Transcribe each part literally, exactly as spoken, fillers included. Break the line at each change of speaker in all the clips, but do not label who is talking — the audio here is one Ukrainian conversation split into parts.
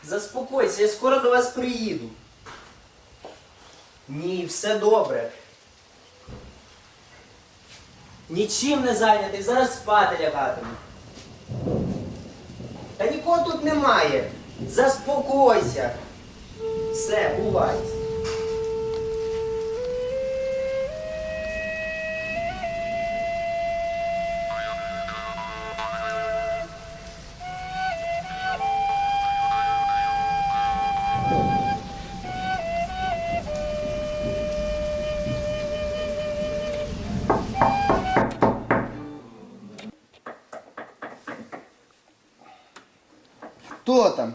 Заспокойся, я скоро до вас приїду. Ні, все добре. Нічим не зайнятий, зараз спати лягатиму. Та нікого тут немає. Заспокойся. Все, бувай.
Хто там?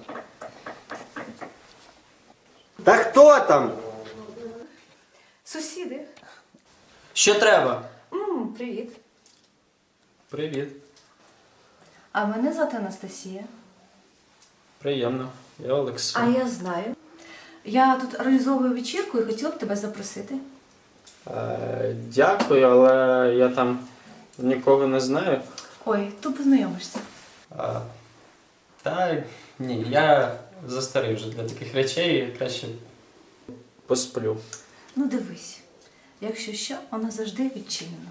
Та хто там?
Сусіди.
Що треба?
М, привіт.
Привіт.
А мене звати Анастасія.
Приємно. Я Олекс.
А я знаю. Я тут організовую вечірку і хотіла б тебе запросити.
Е, дякую, але я там нікого не знаю.
Ой, то познайомишся.
А, та ні, я застарий вже для таких речей, краще посплю.
Ну дивись, якщо що, воно завжди відчинено.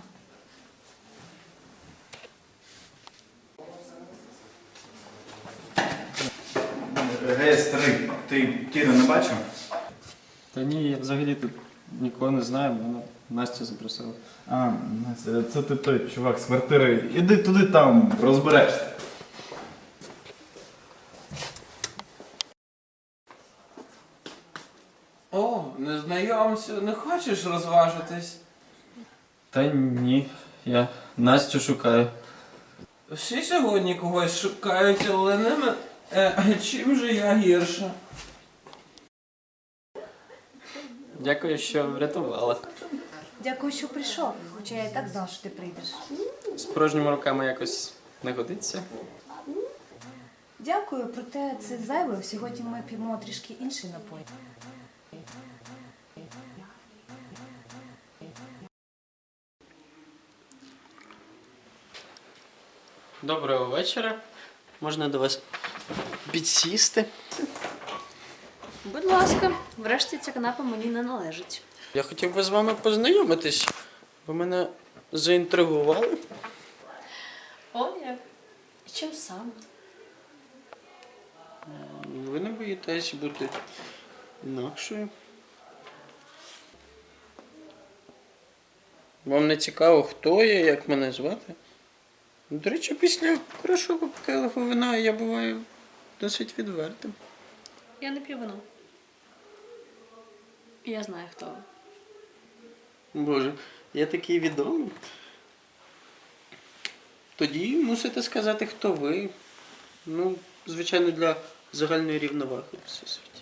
Гей, старий, ти Кіру не бачив?
Та ні, я взагалі тут нікого не знаю, мене Настя запросила.
А, це, це ти той чувак з квартири. Іди туди там, розберешся.
О, незнайомцю, не хочеш розважитись?
Та ні, я Настю шукаю.
Всі сьогодні когось шукають, але не мен... Е, чим же я гірша?
Дякую, що врятувала.
Дякую, що прийшов, хоча я і так знала, що ти прийдеш.
З порожніми руками якось не годиться.
Дякую, проте це зайве. Сьогодні ми п'ємо трішки інший напій.
Доброго вечора. Можна до вас підсісти?
Будь ласка, врешті ця канапа мені не належить.
Я хотів би з вами познайомитись. Ви мене заінтригували.
О, як? І чим саме?
Ви не боїтесь бути інакшою. Вам не цікаво, хто я, як мене звати? До речі, після хорошого келиху вина я буваю досить відвертим.
Я не п'ю вино. Я знаю, хто ви.
Боже, я такий відомий. Тоді мусите сказати, хто ви. Ну, звичайно, для загальної рівноваги в всесвіті.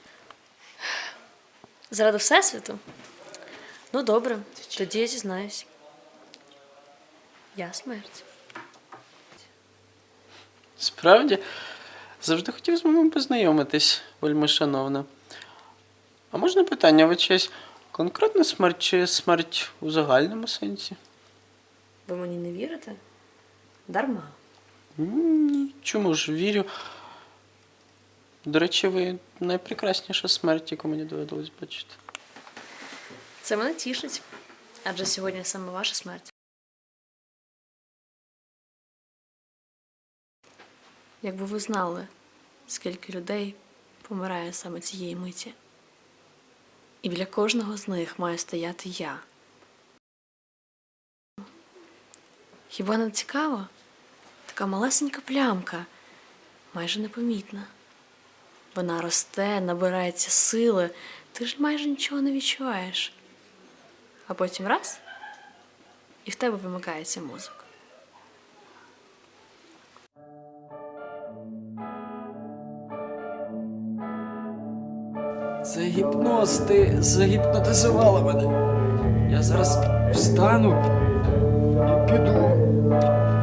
Заради Всесвіту? Ну, добре, тоді я зізнаюсь. Я смерть.
Справді, завжди хотів з вами познайомитись, вельми шановна. А можна питання, ви чиясь конкретна смерть чи смерть у загальному сенсі?
Ви мені не вірите? Дарма.
Ні, чому ж вірю. До речі, ви найпрекрасніша смерть, яку мені доводилось бачити.
Це мене тішить. Адже сьогодні саме ваша смерть. Якби ви знали, скільки людей помирає саме цієї миті. І біля кожного з них має стояти я. Хіба не цікаво? Така малесенька плямка, майже непомітна. Вона росте, набирається сили, ти ж майже нічого не відчуваєш. А потім раз, і в тебе вимикається мозок.
Це гіпноз, ти загіпнотизувала мене. Я зараз встану і піду.